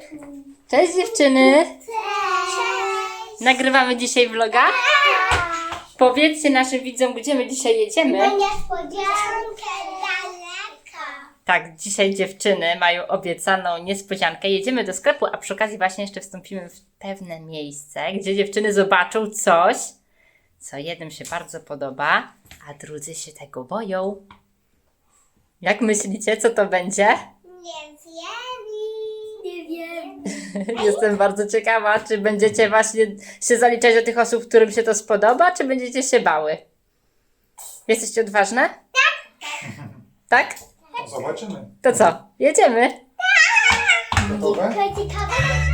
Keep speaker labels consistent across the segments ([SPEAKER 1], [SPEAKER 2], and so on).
[SPEAKER 1] Cześć dziewczyny!
[SPEAKER 2] Cześć!
[SPEAKER 1] Nagrywamy dzisiaj vloga? Powiedzcie naszym widzom, gdzie my dzisiaj jedziemy.
[SPEAKER 2] Na niespodziankę daleko.
[SPEAKER 1] Tak, dzisiaj dziewczyny mają obiecaną niespodziankę. Jedziemy do sklepu, a przy okazji właśnie jeszcze wstąpimy w pewne miejsce, gdzie dziewczyny zobaczą coś, co jednym się bardzo podoba, a drudzy się tego boją. Jak myślicie, co to będzie?
[SPEAKER 2] Nie wiem. Nie wiem.
[SPEAKER 1] Jestem bardzo ciekawa, czy będziecie właśnie się zaliczać do tych osób, którym się to spodoba, czy będziecie się bały? Jesteście odważne? Tak?
[SPEAKER 3] No, zobaczymy.
[SPEAKER 1] To co? Jedziemy?
[SPEAKER 3] Gotowe?
[SPEAKER 2] Ciekawe.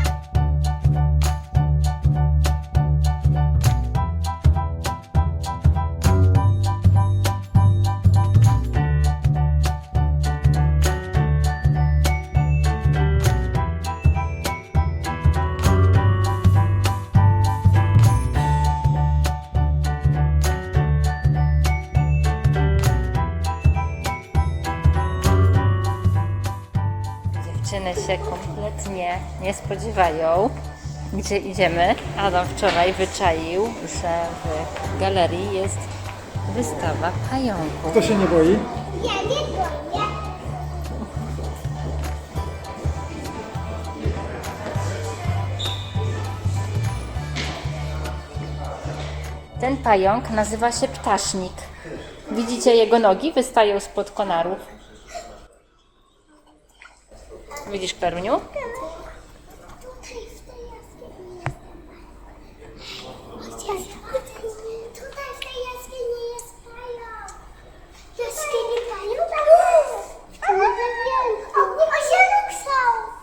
[SPEAKER 1] Dziewczyny się kompletnie nie spodziewają, gdzie idziemy. Adam wczoraj wyczaił, że w galerii jest wystawa pająków.
[SPEAKER 3] Kto się nie boi?
[SPEAKER 2] Ja nie boję.
[SPEAKER 1] Ten pająk nazywa się ptasznik. Widzicie, jego nogi wystają spod konarów. Widzisz, Klaruniu?
[SPEAKER 2] Tutaj w tej jaskini jest pająk. Tutaj w tej jaskini jest pająk. Jaskini pająk? W tym wywięku. Osieluk są.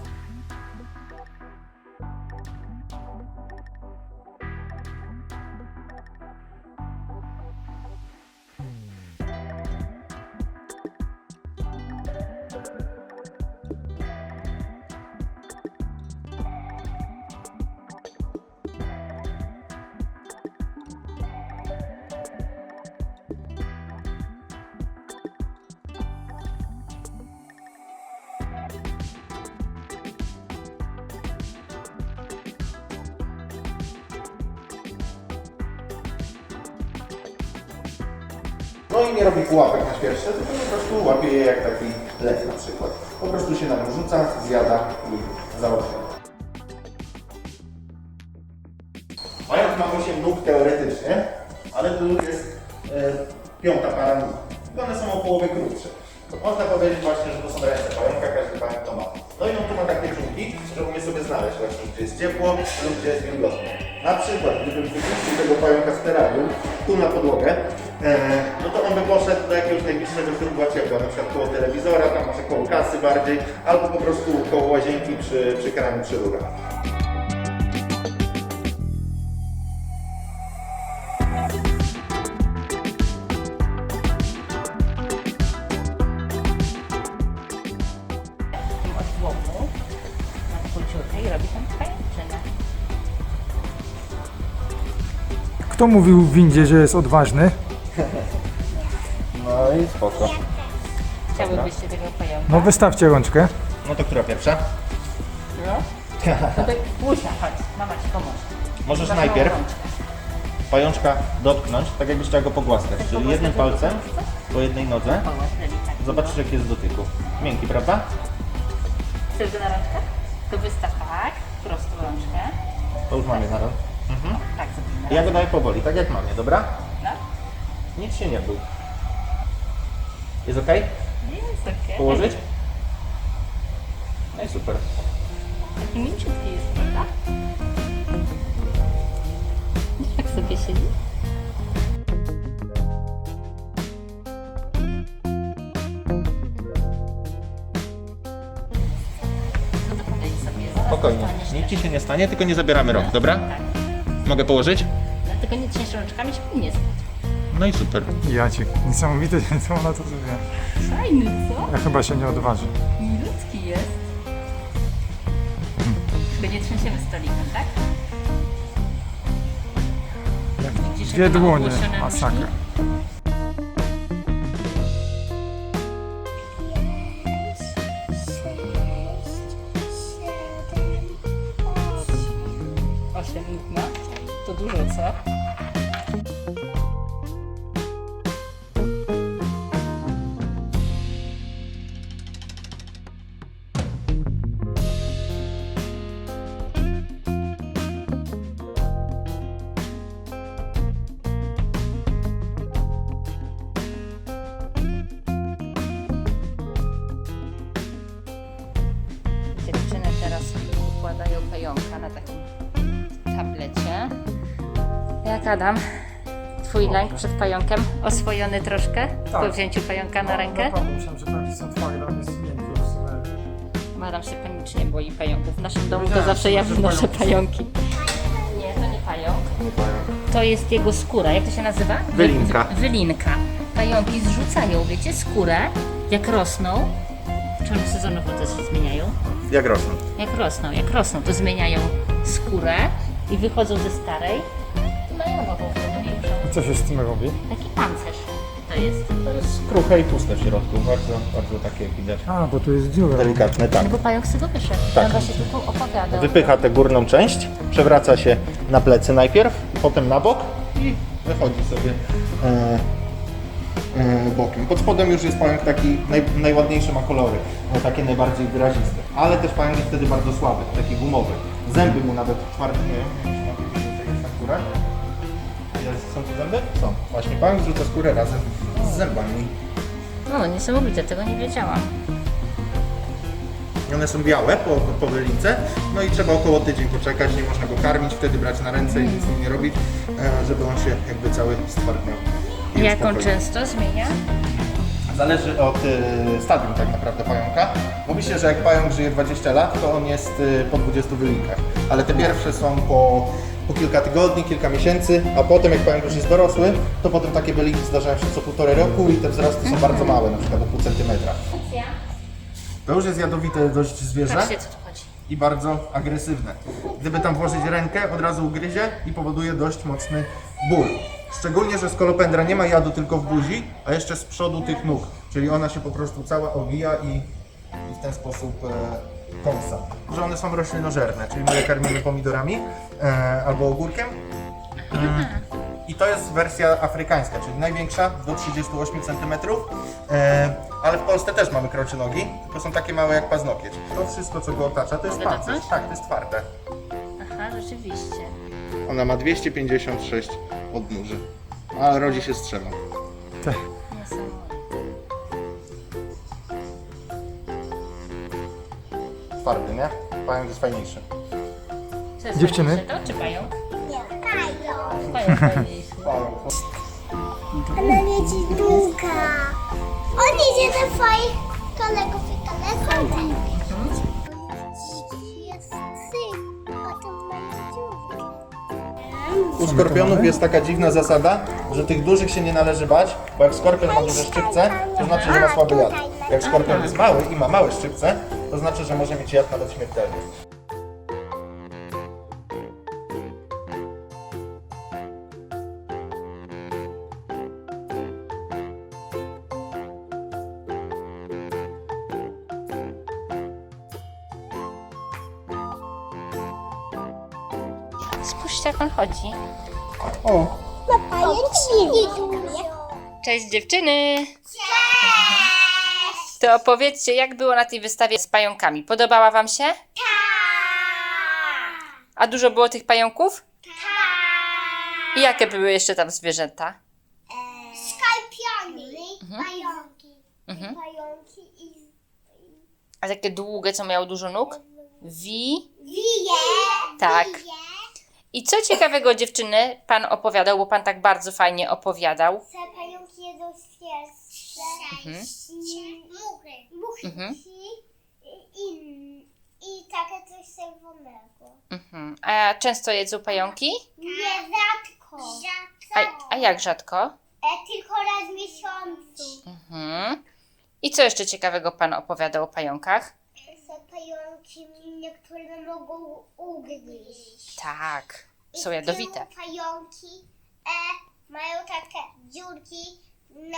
[SPEAKER 3] No i nie robi pułapek na świerszcze, tylko po prostu łapie je jak taki lew na przykład. Po prostu się na nią rzuca, zjada i załatwia. Pająk ma 8 nóg teoretycznie, ale tu jest piąta para nóg. I one są o połowę krótsze. Można powiedzieć właśnie, że to są ręce pająka, każdy pająk to ma. No i on tu ma takie czubki, że umie sobie znaleźć właśnie, gdzie jest ciepło lub gdzie jest wilgotno. Na przykład, gdybym wypuścił tego pająka z terrarium tu na podłogę, no to on by poszedł do jakiegoś najbliższego źródła ciepła, na przykład koło telewizora, tam może koło kasy bardziej, albo po prostu koło łazienki przy kranie, przy rurach.
[SPEAKER 1] Od łomu na króciutkę i robi tam pajęczynę.
[SPEAKER 4] Kto mówił w windzie, że jest odważny?
[SPEAKER 3] No i spoko.
[SPEAKER 1] Chciałybyście tego pająka?
[SPEAKER 4] No wystawcie rączkę.
[SPEAKER 3] No to która pierwsza?
[SPEAKER 1] No? No to Łusia, chodź, mama ci pomoże.
[SPEAKER 3] Możesz
[SPEAKER 1] Masz
[SPEAKER 3] najpierw
[SPEAKER 1] małą rączkę.
[SPEAKER 3] pajączka dotknąć, tak jakbyś chciał go pogłaskać, czyli jednym palcem po jednej nodze.
[SPEAKER 1] Połóż delikatnie.
[SPEAKER 3] Zobaczysz jaki jest w dotyku. Miękki, prawda?
[SPEAKER 1] Chcesz go na rączkę? To wystaw tak, prostą rączkę.
[SPEAKER 3] To już mamy na rąk.
[SPEAKER 1] Tak, zrobimy.
[SPEAKER 3] Ja go daję powoli, tak jak mamie, dobra?
[SPEAKER 1] No?
[SPEAKER 3] Nic się nie bój. Jest ok?
[SPEAKER 1] Jest okej.
[SPEAKER 3] Położyć? No i super.
[SPEAKER 1] Taki mięciutki jest, prawda? Jak sobie siedzi? No to podejdź sobie. Zaraz
[SPEAKER 3] Spokojnie.
[SPEAKER 1] dostaniesz
[SPEAKER 3] Nic
[SPEAKER 1] też.
[SPEAKER 3] ci się nie stanie, tylko nie zabieramy rąk, dobra?
[SPEAKER 1] Tak.
[SPEAKER 3] Mogę położyć?
[SPEAKER 1] Dlatego nie trzęść rączkami, żeby nie spać.
[SPEAKER 3] No i super.
[SPEAKER 4] Jacek, niesamowite, co ona to zrobiła.
[SPEAKER 1] Fajny, co?
[SPEAKER 4] Ja chyba się nie odważy.
[SPEAKER 1] Milutki jest. Tylko nie trzęsiemy stolikiem, tak? Widzisz,
[SPEAKER 4] Dwie
[SPEAKER 1] jak ma
[SPEAKER 4] dłonie,
[SPEAKER 1] ogłoszone
[SPEAKER 4] masakra.
[SPEAKER 1] nóżki? się widma. To dużo, co? Dziewczyny teraz układają pająka na takim tablecie. Jak Adam? Twój lęk przed pająkiem? Oswojony troszkę?
[SPEAKER 4] Tak.
[SPEAKER 1] Po wzięciu pająka na rękę?
[SPEAKER 4] Naprawdę, myślałem, że pająki są twarde, a jest miękki w sumie.
[SPEAKER 1] Adam się panicznie boi pająków. W naszym domu to
[SPEAKER 4] Wiedziałem,
[SPEAKER 1] zawsze ja
[SPEAKER 4] że
[SPEAKER 1] wynoszę
[SPEAKER 4] pająki.
[SPEAKER 1] pająki. Nie, to nie pająk. To jest jego skóra. Jak to się nazywa?
[SPEAKER 3] Wylinka.
[SPEAKER 1] Wylinka. Pająki zrzucają, wiecie, skórę, jak rosną. Czy sezonowo też się zmieniają?
[SPEAKER 3] Jak rosną?
[SPEAKER 1] Jak rosną, to zmieniają skórę i wychodzą ze starej i mają nową wtedy większą.
[SPEAKER 4] I co się z tym robi?
[SPEAKER 1] Taki pancerz to jest.
[SPEAKER 3] To jest kruche i puste w środku, bardzo takie jak widać.
[SPEAKER 4] A, bo tu jest dziura.
[SPEAKER 3] Delikatne, tak.
[SPEAKER 1] No bo pająk z tego wyszedł.
[SPEAKER 3] Tak.
[SPEAKER 1] On właśnie tu opowiadał.
[SPEAKER 3] Wypycha tę górną część, przewraca się na plecy najpierw, potem na bok i wychodzi sobie bokiem. Pod spodem już jest pająk taki, najładniejszy ma kolory, takie najbardziej wyraziste. Ale też pająk jest wtedy bardzo słaby, taki gumowy. Zęby mu nawet twarde nie wiem, jest na skórę. Są tu zęby? Są. Właśnie pająk zrzuca skórę razem z zębami.
[SPEAKER 1] No, niesamowite, tego nie wiedziałam.
[SPEAKER 3] One są białe po wylince, no i trzeba około tydzień poczekać, nie można go karmić, wtedy brać na ręce i nic z nim nie robić, żeby on się jakby cały stwardniał. I
[SPEAKER 1] Jak on
[SPEAKER 3] uspokoił.
[SPEAKER 1] często zmienia?
[SPEAKER 3] Zależy od stadium tak naprawdę pająka. Mówi się, że jak pająk żyje 20 lat, to on jest po 20 wylinkach, ale te pierwsze są po kilka tygodni, kilka miesięcy, a potem jak pająk już jest dorosły, to potem takie wylinki zdarzają się co 1,5 roku i te wzrosty są bardzo małe, na przykład do pół centymetra. To już jest jadowite dość zwierzę.
[SPEAKER 1] Patrzcie, co tu chodzi.
[SPEAKER 3] I bardzo agresywne. Gdyby tam włożyć rękę, od razu ugryzie i powoduje dość mocny ból. Szczególnie, że skolopendra nie ma jadu tylko w buzi, a jeszcze z przodu tych nóg. Czyli ona się po prostu cała owija i w ten sposób kąsa. Że one są roślinożerne, czyli my je karmimy pomidorami albo ogórkiem. I to jest wersja afrykańska, czyli największa, do 38 cm. Ale w Polsce też mamy krocie nogi, tylko są takie małe jak paznokieć. To wszystko, co go otacza, to jest
[SPEAKER 1] Mogę
[SPEAKER 3] pancerz.
[SPEAKER 1] dotknąć?
[SPEAKER 3] Tak, to jest twarde.
[SPEAKER 1] Aha, rzeczywiście.
[SPEAKER 3] Ona ma 256 odnóży, a rodzi się strzewą.
[SPEAKER 1] Niesamowite.
[SPEAKER 3] Twardy, nie? Pająk jest fajniejszy.
[SPEAKER 1] Co jest
[SPEAKER 4] Dziewczyny?
[SPEAKER 1] fajniejsze, to czy pająk?
[SPEAKER 2] Nie, pająk.
[SPEAKER 1] Pająk fajniejszy.
[SPEAKER 2] Ona leci długa. On idzie do swoich kolegów i koleżanek. Jest syp, potem będzie dziurka.
[SPEAKER 3] U skorpionów jest taka dziwna zasada, że tych dużych się nie należy bać, bo jak skorpion ma duże szczypce, to znaczy, że ma słaby jad. Jak skorpion jest mały i ma małe szczypce, to znaczy, że może mieć jad nawet śmiertelny.
[SPEAKER 1] Spójrzcie, jak on chodzi.
[SPEAKER 3] O,
[SPEAKER 2] Pajączki dużo.
[SPEAKER 1] Cześć dziewczyny! To opowiedzcie, jak było na tej wystawie z pająkami. Podobała wam się?
[SPEAKER 2] Tak.
[SPEAKER 1] A dużo było tych pająków?
[SPEAKER 2] Tak.
[SPEAKER 1] I jakie były jeszcze tam zwierzęta?
[SPEAKER 2] Skorpiony, pająki. Pająki i
[SPEAKER 1] A takie długie, co miały dużo nóg?
[SPEAKER 2] wije.
[SPEAKER 1] Tak.
[SPEAKER 2] Wije.
[SPEAKER 1] I co ciekawego dziewczyny pan opowiadał, bo pan tak bardzo fajnie opowiadał.
[SPEAKER 2] Te pająki jedzą świerszcze. Muchy.
[SPEAKER 1] Mhm.
[SPEAKER 2] I takie coś czerwonego.
[SPEAKER 1] Mhm. A często jedzą pająki?
[SPEAKER 2] Nie, rzadko.
[SPEAKER 1] A jak rzadko?
[SPEAKER 2] Tylko raz w miesiącu.
[SPEAKER 1] Mhm. I co jeszcze ciekawego pan opowiadał o pająkach?
[SPEAKER 2] Są pająki, niektóre mogą ugryźć.
[SPEAKER 1] Tak, są
[SPEAKER 2] I
[SPEAKER 1] jadowite.
[SPEAKER 2] te pająki mają takie dziurki na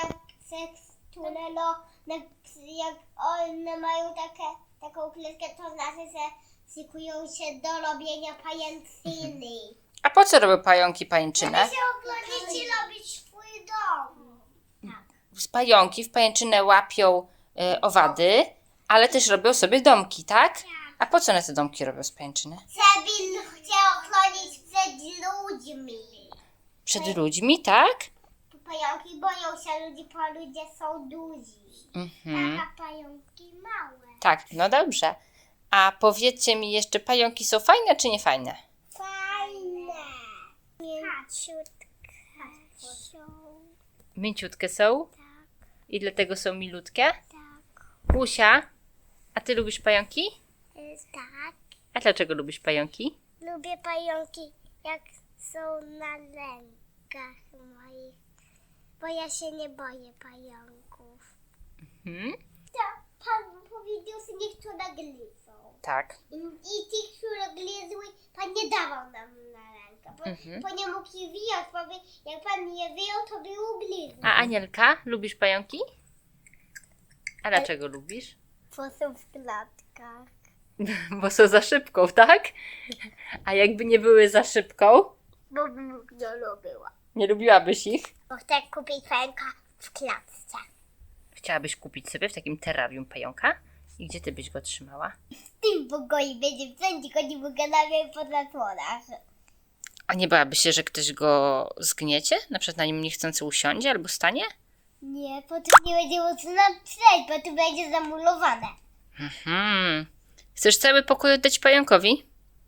[SPEAKER 2] tunelo, jak one mają taką klatkę, to znaczy, że szykują się do robienia pajęczyny.
[SPEAKER 1] A po co robią pająki pajęczynę?
[SPEAKER 2] Żeby się oglądać i robić swój dom.
[SPEAKER 1] Z pająki w pajęczynę łapią owady, ale też robią sobie domki, tak? A po co one te domki robią z pajęczyny?
[SPEAKER 2] Żeby chciał ochronić przed ludźmi.
[SPEAKER 1] Przed ludźmi, tak?
[SPEAKER 2] Pająki boją się ludzi, bo ludzie są duzi.
[SPEAKER 1] Mhm.
[SPEAKER 2] A pająki małe.
[SPEAKER 1] Tak, no dobrze. A powiedzcie mi jeszcze, pająki są fajne czy nie fajne?
[SPEAKER 2] Fajne. Mięciutkie są.
[SPEAKER 1] Mięciutkie są?
[SPEAKER 2] Tak,
[SPEAKER 1] I dlatego są milutkie?
[SPEAKER 2] tak.
[SPEAKER 1] Łusia, a ty lubisz pająki?
[SPEAKER 2] Tak.
[SPEAKER 1] A dlaczego lubisz pająki?
[SPEAKER 2] Lubię pająki, jak są na rękach moich. Bo ja się nie boję pająków.
[SPEAKER 1] Hmm?
[SPEAKER 2] Tak, pan powiedział, że niektóre gryzą.
[SPEAKER 1] Tak.
[SPEAKER 2] I tych, które gryzły, pan nie dawał nam na rękę. Bo nie mógł je wyjąć, bo jak pan je wyjął, to by ugryzł.
[SPEAKER 1] A Anielka, lubisz pająki? A dlaczego lubisz?
[SPEAKER 2] Bo są w klatkach.
[SPEAKER 1] Bo są za szybką, tak? A jakby nie były za szybką,
[SPEAKER 2] Bo bym nie lubiła.
[SPEAKER 1] nie lubiłabyś ich?
[SPEAKER 2] Bo chcę kupić pająka w klatce.
[SPEAKER 1] Chciałabyś kupić sobie w takim terrarium pająka? I gdzie ty byś go trzymała?
[SPEAKER 2] W tym pokoju będzie wszędzie, go nie mogę nawet po zasłonach.
[SPEAKER 1] A nie bałabyś się, że ktoś go zgniecie? Na przykład na nim niechcący usiądzie albo stanie?
[SPEAKER 2] Nie, potem nie będzie można przejść, bo tu będzie zamulowane.
[SPEAKER 1] Chcesz cały pokój oddać pająkowi?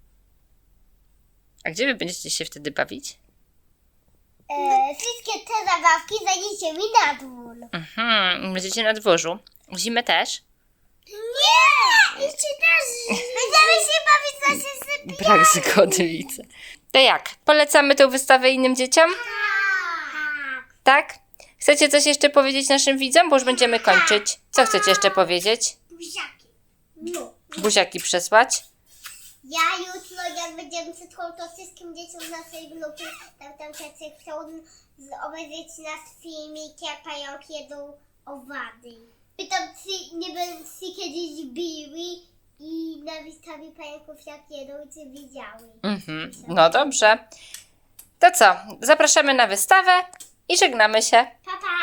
[SPEAKER 1] A gdzie wy będziecie się wtedy bawić?
[SPEAKER 2] Wszystkie te zabawki zaniesie mi na dwór.
[SPEAKER 1] Będziecie na dworzu. W zimę też?
[SPEAKER 2] Nie! Jeszcze też! Będziemy się bawić na sysypie.
[SPEAKER 1] Brak zgody, widzę. To jak? Polecamy tę wystawę innym dzieciom?
[SPEAKER 2] Tak.
[SPEAKER 1] Tak? Chcecie coś jeszcze powiedzieć naszym widzom? Bo już będziemy kończyć. Co chcecie jeszcze powiedzieć?
[SPEAKER 2] Buziaki. No.
[SPEAKER 1] Buziaki przesłać?
[SPEAKER 2] Ja jutro, jak będziemy przyszło, to wszystkim dzieciom z naszej grupy, tam wszyscy chcą obejrzeć nasz filmik, jak pająki jedzą owady. I tam nie będą się kiedyś biły i na wystawie pająków jak jedzą i czy widziały.
[SPEAKER 1] No dobrze. To co? Zapraszamy na wystawę i żegnamy się.
[SPEAKER 2] Pa, pa!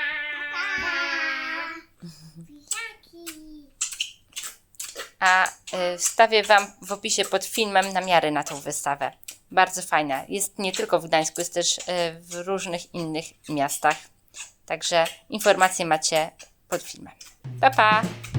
[SPEAKER 2] Buziaki!
[SPEAKER 1] A wstawię Wam w opisie pod filmem namiary na tą wystawę. Bardzo fajna. Jest nie tylko w Gdańsku, jest też w różnych innych miastach. Także informacje macie pod filmem. Pa, pa!